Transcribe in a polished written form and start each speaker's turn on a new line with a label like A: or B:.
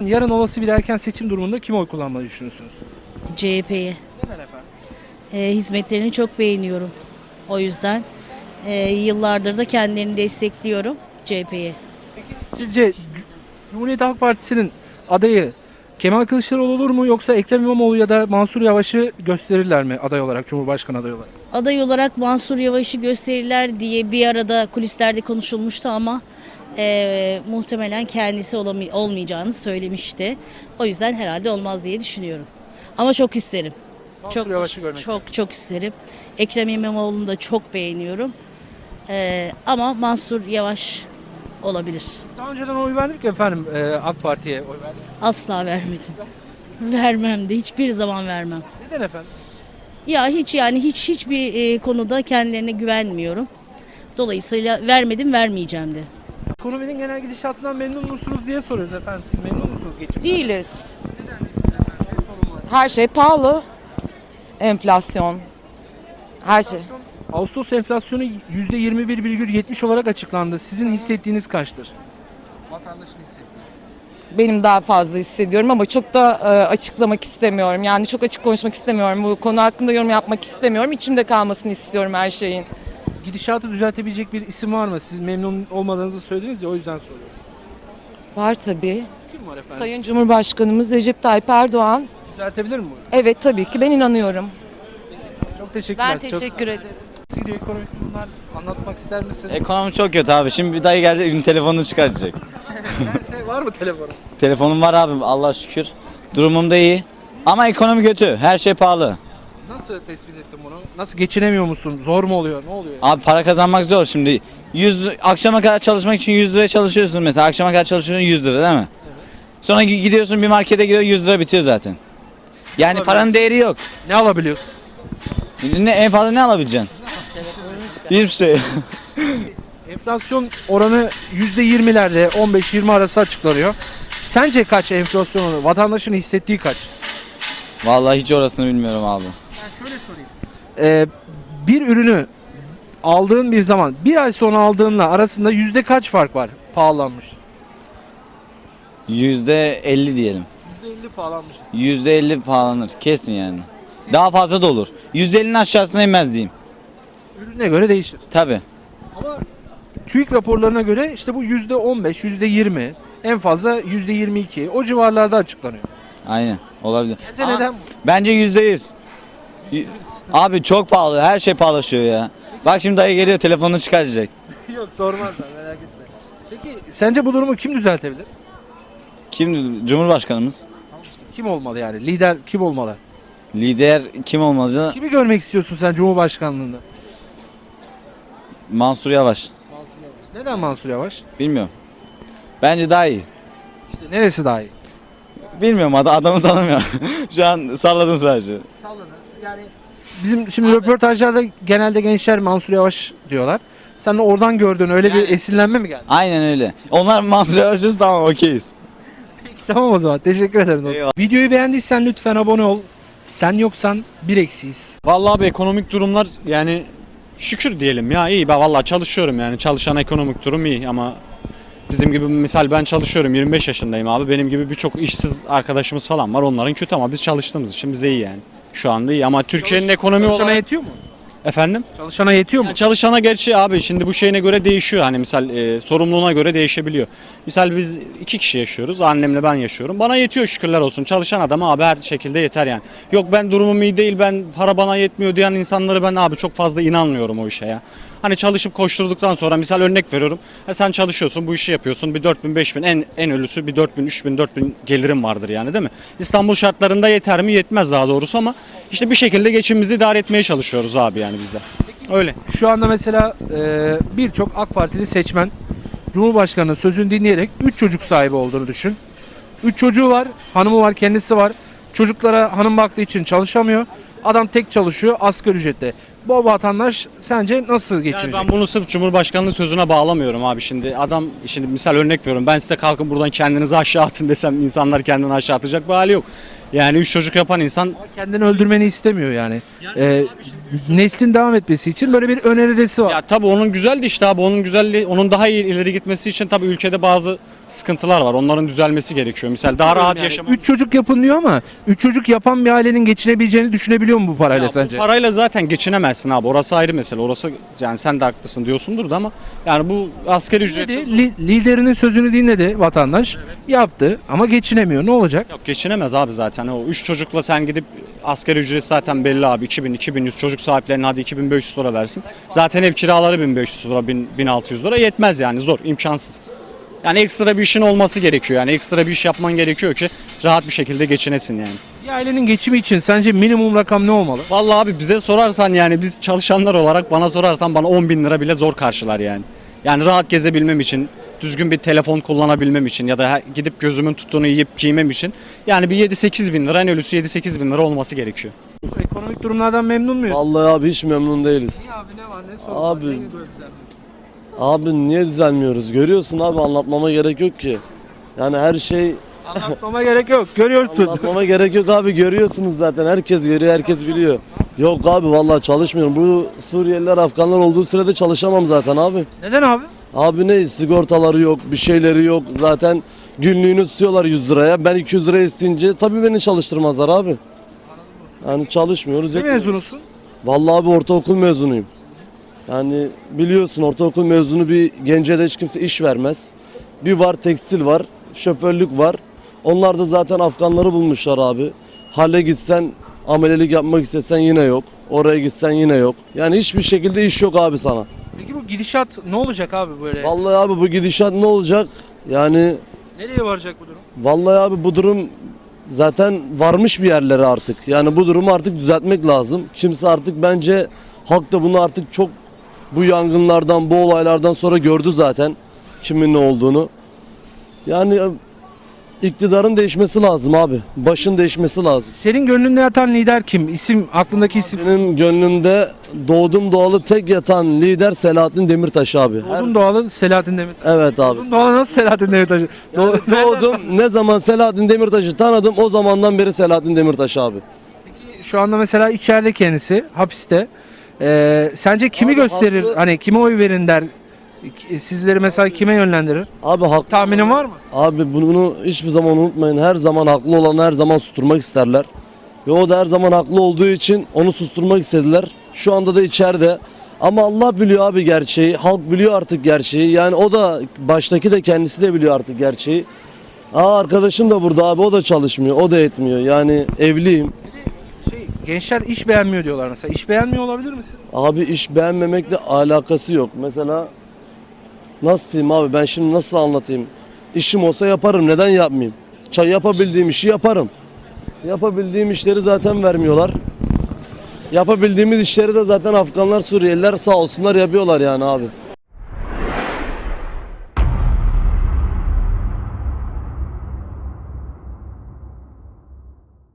A: Yarın olası bir erken seçim durumunda kime oy kullanmayı düşünüyorsunuz?
B: CHP'ye.
A: Neden efendim?
B: Hizmetlerini çok beğeniyorum. O yüzden yıllardır da kendilerini destekliyorum CHP'ye.
A: Sizce Cumhuriyet Halk Partisi'nin adayı Kemal Kılıçdaroğlu olur mu yoksa Ekrem İmamoğlu ya da Mansur Yavaş'ı gösterirler mi aday olarak, Cumhurbaşkanı adayı olarak?
B: Aday olarak Mansur Yavaş'ı gösterirler diye bir arada kulislerde konuşulmuştu ama muhtemelen kendisi olmayacağını söylemişti. O yüzden herhalde olmaz diye düşünüyorum. Ama çok isterim.
A: Mansur Yavaş'ı görmek
B: Çok isterim. Ekrem İmamoğlu'nu da çok beğeniyorum. Ama Mansur Yavaş olabilir.
A: Daha önceden oy verdik efendim AK Parti'ye oy verdik.
B: Asla vermedim. Vermem de hiçbir zaman vermem.
A: Neden efendim?
B: Ya hiçbir konuda kendilerine güvenmiyorum. Dolayısıyla vermedim, vermeyeceğim de.
A: Ekonominin genel gidişatından memnun musunuz diye soruyoruz efendim. Siz memnun musunuz geçimden?
C: Değiliz.
A: Neden değilsiniz efendim? Ne sorun var?
C: Her şey pahalı. Enflasyon. Her şey.
A: Ağustos enflasyonu %21,70 olarak açıklandı. Sizin hissettiğiniz kaçtır? Vatandaşın hissettiği.
C: Benim daha fazla hissediyorum ama çok da açıklamak istemiyorum. Yani çok açık konuşmak istemiyorum. Bu konu hakkında yorum yapmak istemiyorum. İçimde kalmasını istiyorum her şeyin.
A: Gidişatı düzeltebilecek bir isim var mı? Siz memnun olmadığınızı söylediniz ya, o yüzden soruyorum.
C: Var tabii.
A: Kim var efendim?
C: Sayın Cumhurbaşkanımız Recep Tayyip Erdoğan.
A: Düzeltebilir mi bunu?
C: Evet tabii ki ben inanıyorum.
A: Çok teşekkürler.
C: Ben teşekkür ederim.
A: Nasıl gidiyor ekonomik durumlar? Anlatmak ister misin?
D: Ekonomi çok kötü abi. Şimdi bir dayı gelecek, şimdi telefonunu çıkaracak.
A: Var mı telefonu?
D: Telefonum var abi, Allah'a şükür. Durumum da iyi. Ama ekonomi kötü. Her şey pahalı.
A: Nasıl tespit ettin bunu? Nasıl, geçinemiyor musun? Zor mu oluyor? Ne oluyor?
D: Abi para kazanmak zor şimdi. Akşama kadar çalışmak için 100 liraya çalışıyorsun mesela. Akşama kadar çalışıyorsun 100 lira değil mi?
A: Evet.
D: Sonra gidiyorsun bir markete giriyor 100 lira bitiyor zaten. Yani
A: Olabilir.
D: paranın değeri yok.
A: Ne alabiliyorsun?
D: En fazla ne alabileceksin? Hiçbir şey.
A: Enflasyon oranı %20'lerde, 15-20 arası açıklanıyor. Sence kaç enflasyon oranı? Vatandaşın hissettiği kaç?
D: Vallahi hiç orasını bilmiyorum abi.
A: Ben şöyle sorayım. Bir ürünü aldığın bir zaman, bir ay sonra aldığınla arasında yüzde kaç fark var pahalanmış?
D: %50 diyelim.
A: %50 pahalanmış.
D: %50 pahalanır kesin yani. Daha fazla da olur. %50'nin aşağısına inmez diyeyim.
A: Ürüne göre değişir.
D: Tabi.
A: Ama TÜİK raporlarına göre işte bu %15, %20, en fazla %22 o civarlarda açıklanıyor.
D: Aynen olabilir.
A: Sence
D: Ama
A: neden?
D: Bence %100. Abi çok pahalı. Her şey pahalaşıyor ya. Bak şimdi dayı geliyor telefonunu çıkaracak.
A: Yok, sormazlar, merak etme. Peki sence bu durumu kim düzeltebilir?
D: Kim? Cumhurbaşkanımız.
A: Kim olmalı yani? Lider kim olmalı?
D: Lider kim olmalı?
A: Kimi görmek istiyorsun sen Cumhurbaşkanlığında?
D: Mansur Yavaş.
A: Mansur Yavaş. Neden Mansur Yavaş?
D: Bilmiyorum. Bence daha iyi.
A: İşte neresi daha iyi?
D: Bilmiyorum adamı tanımıyorum. Şu an salladım sadece.
A: Salladı. Yani bizim şimdi röportajlarda genelde gençler Mansur Yavaş diyorlar. Sen de oradan gördün, öyle bir
D: Yani-
A: esinlenme mi geldi?
D: Aynen öyle. Onlar Mansur Yavaş'ız, tamam okeyiz.
A: Peki, tamam o zaman. Teşekkür ederim dostum.
D: Eyvallah.
A: Videoyu beğendiysen lütfen abone ol. Sen yoksan bir eksiyiz.
E: Vallahi abi ekonomik durumlar yani şükür diyelim ya, iyi. Ben vallahi çalışıyorum, yani çalışan ekonomik durum iyi ama bizim gibi, misal ben çalışıyorum, 25 yaşındayım abi, benim gibi birçok işsiz arkadaşımız falan var, onların kötü ama biz çalıştığımız için bize iyi yani. Şu anda iyi ama Türkiye'nin ekonomi
A: Çalışana
E: olarak...
A: yetiyor mu?
E: Efendim?
A: Çalışana yetiyor mu?
E: Ya çalışana gerçi abi şimdi bu şeyine göre değişiyor, hani misal sorumluluğuna göre değişebiliyor. Misal biz 2 kişi yaşıyoruz, annemle ben yaşıyorum, bana yetiyor şükürler olsun. Çalışan adama abi her şekilde yeter yani. Yok ben durumum iyi değil, ben para bana yetmiyor diyen insanları ben abi çok fazla inanmıyorum o işe ya. Hani çalışıp koşturduktan sonra, misal örnek veriyorum, sen çalışıyorsun, bu işi yapıyorsun, bir 4000 5000, en ölüsü bir 4000 3000 4000 gelirim vardır yani, değil mi? İstanbul şartlarında yeter mi? Yetmez daha doğrusu ama işte bir şekilde geçimimizi idare etmeye çalışıyoruz abi yani bizde. Öyle.
A: Şu anda mesela birçok AK Partili seçmen Cumhurbaşkanı'nın sözünü dinleyerek 3 çocuk sahibi olduğunu düşün. 3 çocuğu var, hanımı var, kendisi var. Çocuklara hanım baktığı için çalışamıyor. Adam tek çalışıyor asgari ücretle. Bu vatandaş sence nasıl geçinecek?
E: Yani ben bunu sırf Cumhurbaşkanlığı sözüne bağlamıyorum abi şimdi. Adam, şimdi misal örnek veriyorum, ben size kalkın buradan kendinizi aşağı atın desem insanlar kendini aşağı atacak bir hali yok. Yani 3 çocuk yapan insan...
A: Kendini öldürmeni istemiyor yani. Neslin devam etmesi için böyle bir öneridesi var.
E: Ya tabii onun güzeldi işte abi, onun güzelliği, onun daha iyi ileri gitmesi için tabii ülkede bazı sıkıntılar var. Onların düzelmesi gerekiyor. Misal daha rahat yaşamak.
A: 3 çocuk yapın diyor ama 3 çocuk yapan bir ailenin geçinebileceğini düşünebiliyor mu bu parayla
E: Ya
A: sence?
E: bu parayla zaten geçinemezsin abi. Orası ayrı mesele. Orası yani sen de haklısın diyorsundur da ama yani bu asgari ücretle
A: Liderinin sözünü dinledi vatandaş. Yaptı ama geçinemiyor. Ne olacak?
E: yok, geçinemez abi zaten. O 3 çocukla sen gidip asgari ücret zaten belli abi. 2100 çocuk sahiplerine hadi 2500 lira versin. Zaten ev kiraları 1500 lira, 1600 lira yetmez yani zor, imkansız. Yani ekstra bir işin olması gerekiyor. Yani ekstra bir iş yapman gerekiyor ki rahat bir şekilde geçinesin yani.
A: Bir ailenin geçimi için sence minimum rakam ne olmalı?
E: Vallahi abi bize sorarsan yani biz çalışanlar olarak bana sorarsan bana 10 bin lira bile zor karşılar yani. Yani rahat gezebilmem için, düzgün bir telefon kullanabilmem için ya da gidip gözümün tuttuğunu yiyip giymem için yani bir 7-8 bin lira, en ölüsü 7-8 bin lira olması gerekiyor.
A: Ekonomik durumlardan memnun muyuz?
F: Vallahi abi hiç memnun değiliz.
A: Abi ne var ne sorun var,
F: Abi.
A: ne güzel.
F: Abi niye düzelmiyoruz? Görüyorsun abi, anlatmama gerek yok ki. Yani her şey
A: Anlatmama gerek yok. Görüyorsun.
F: anlatmama gerek yok abi, görüyorsunuz zaten. Herkes görüyor, herkes biliyor. Yok abi vallahi çalışmıyorum. Bu Suriyeliler, Afganlar olduğu sürede çalışamam zaten abi.
A: Neden abi?
F: Abi ne sigortaları yok, bir şeyleri yok. Zaten günlüğünü tutuyorlar 100 liraya. Ben 200 lira isteyince tabii beni çalıştırmazlar abi. Yani çalışmıyoruz.
A: Ne
F: etmiyoruz.
A: mezunusun?
F: Vallahi abi ortaokul mezunuyum. Yani biliyorsun ortaokul mezunu bir gence de hiç kimse iş vermez. Bir var tekstil var, şoförlük var. Onlar da zaten Afganları bulmuşlar abi. Hale gitsen, amelelik yapmak istesen yine yok. Oraya gitsen yine yok. Yani hiçbir şekilde iş yok abi sana.
A: Peki bu gidişat ne olacak abi böyle?
F: Vallahi abi bu gidişat ne olacak? Yani
A: Nereye varacak bu durum?
F: vallahi abi bu durum zaten varmış bir yerlere artık. Yani bu durumu artık düzeltmek lazım. Kimse artık bence halk da bunu artık çok bu yangınlardan, bu olaylardan sonra gördü zaten kimin ne olduğunu. Yani iktidarın değişmesi lazım abi. Başın değişmesi lazım.
A: Senin gönlünde yatan lider kim? İsim, aklındaki isim.
F: Benim gönlümde doğdum doğalı tek yatan lider Selahattin Demirtaş abi.
A: Doğdun doğalı Selahattin Demirtaş.
F: Evet abi.
A: Doğdun doğalı nasıl Selahattin Demirtaş?
F: Yani doğdum ne zaman Selahattin Demirtaş'ı tanıdım o zamandan beri Selahattin Demirtaş abi.
A: Şu anda mesela içeride kendisi, hapiste. Sence kimi
F: Abi
A: gösterir?
F: haklı.
A: Hani kime oy verin der? Sizleri mesela kime yönlendirir?
F: Abi haklı.
A: Tahminin var mı?
F: Abi bunu hiçbir zaman unutmayın. Her zaman haklı olanı her zaman susturmak isterler. Ve o da her zaman haklı olduğu için onu susturmak istediler. Şu anda da içeride. Ama Allah biliyor abi gerçeği. Halk biliyor artık gerçeği. Yani o da baştaki de kendisi de biliyor artık gerçeği. Arkadaşım da burada abi, o da çalışmıyor. O da etmiyor. Yani evliyim.
A: Gençler iş beğenmiyor diyorlar mesela. İş beğenmiyor olabilir misin?
F: Abi iş beğenmemekle alakası yok. Mesela nasıl diyeyim abi, ben şimdi nasıl anlatayım? İşim olsa yaparım, neden yapmayayım? Yapabildiğim işi yaparım. Yapabildiğim işleri zaten vermiyorlar. Yapabildiğimiz işleri de zaten Afganlar, Suriyeliler sağ olsunlar yapıyorlar yani abi.